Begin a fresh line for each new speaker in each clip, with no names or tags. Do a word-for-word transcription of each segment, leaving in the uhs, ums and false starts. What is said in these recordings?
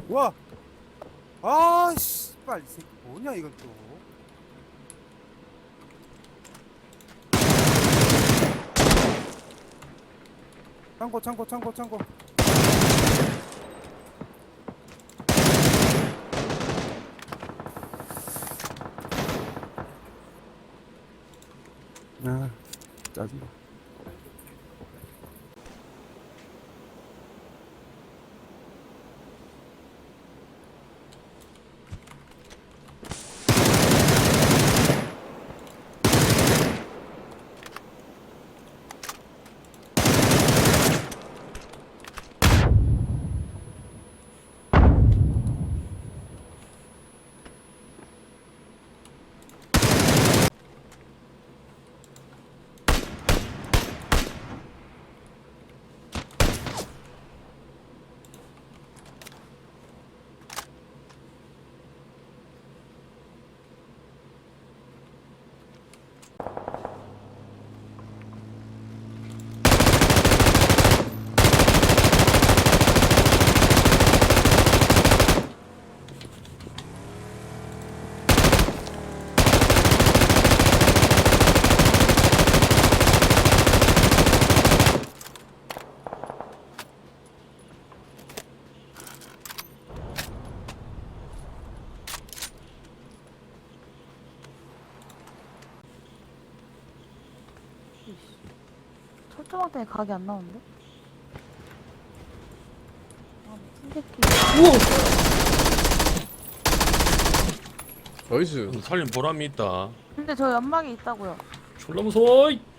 와! 아, 씨발, 이 새끼 뭐냐, 이건 또. 창고, 창고, 창고, 창고. 아, 짜증나.
철조망 때문에 각이 안 나오는데? 아, 미친 새끼.
우와! 나이스.
살린 보람이 있다.
근데 저 연막이 있다고요.
졸라 무서워. 이.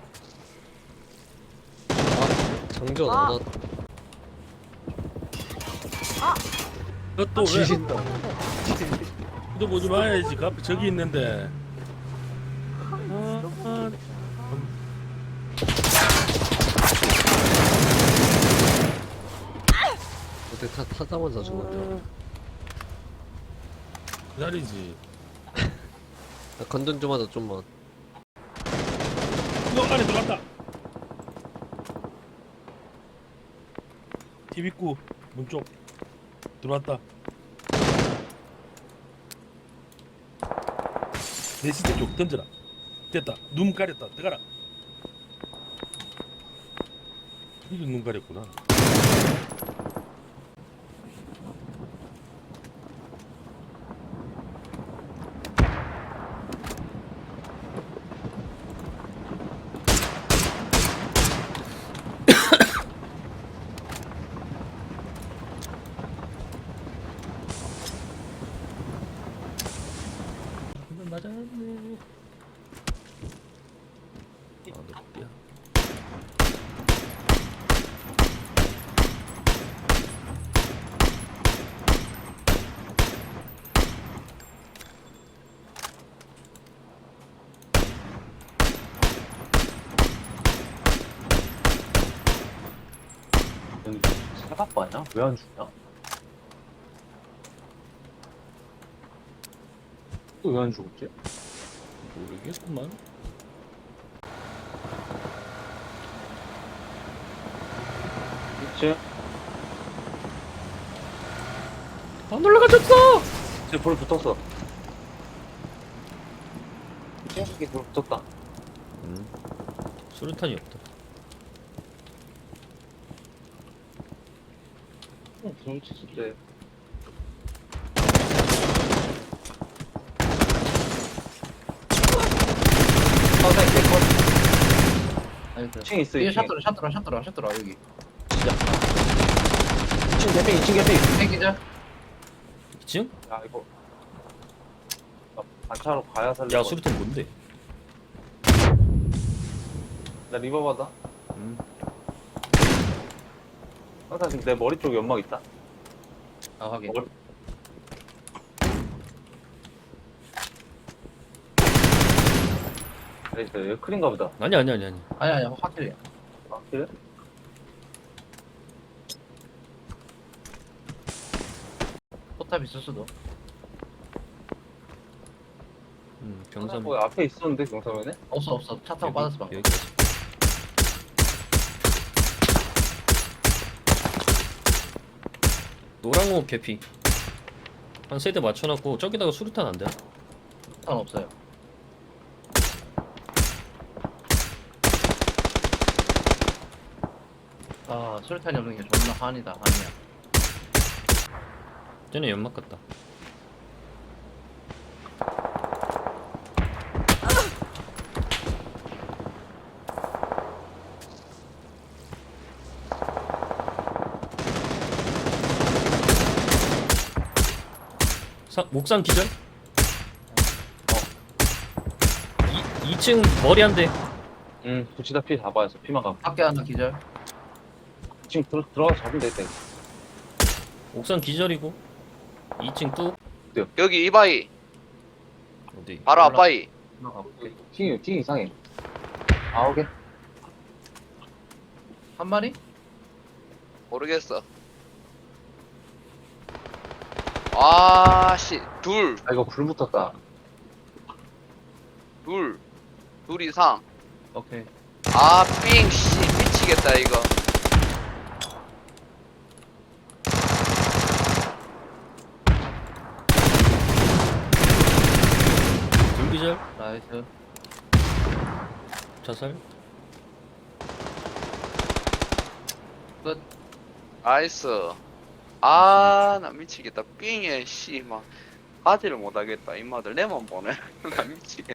장전
아.
안 왔.
그것도 왜?
지신다.
너 보지 마야지. 그 앞에 저기 있는데. 아, 아.
어떻게 타 타자마자 죽었냐?
기다리지.
나 건전 좀 하자 좀만.
너 안에 들어갔다. 팁 입구 문 쪽 들어왔다. 내 시대 쪽 던져라. 됐다. 눈 가렸다. 들어가라. 이게 눈 가렸구나. 맞았네. 아, 높이야.
여기 사각바냐? 왜 안 죽냐? 또 왜 안 죽었지?
모르겠구만.
있지?
안 올라가졌어.
이제 불 붙었어. 이게 불 붙었다.
음. 수류탄이 없다.
응, 불 붙었을 때. 선생 개컷.
아니 그
이 층 있어,
이게
이 층.
샷도라 샷도라 샷도라 샷도라 여기
이 층 개피, 이 층 개피.
생기자
이 층?
야, 이거. 나 반차로 가야 살려.
야, 수류탄 뭔데?
나 리버 받아.
음.
항상 지금 내 머리 쪽에 연막 있다.
아 확인
머리. 나이스, 여기 크린가 보다.
아니 아니 아니 아니.
아니 아니 확실히
아, 그래?
포탑 있을 수도
음,
항상
병삼.
거기 앞에 있었는데, 경사면에?
없어 없어 차 타고 빠졌어 방금
여기.
노란 거 개피. 한 세대 맞춰놨고 저기다가 수류탄 안 돼?
탄 없어요. 아 수류탄이 없는 게 존나 한이다 한이야.
쟤네 연막 같다. 사, 목상 기절? 이, 이 층 머리 한 대.
응, 붙이다 피 다 빠졌어. 피만 가.
밖에 하나 기절.
지금 들어, 들어가서 잡으면 되겠다. 이거.
옥상 기절이고 이 층 뚝.
여기 이바이
어디?
바로
올라-
앞바이.
하나 가볼게.
팅이, 팅이 이상해. 아홉 개?
한 마리?
모르겠어. 아씨 둘
아, 이거 불 붙었다.
둘, 둘 이상.
오케이.
아, 삥, 씨, 미치겠다, 이거.
둘 기절.
나이스.
자살.
끝.
나이스. 아, 나 미치겠다. 삥에, 씨, 막, 가지를 못하겠다. 임마들, 내만 보네. 나 미치겠다.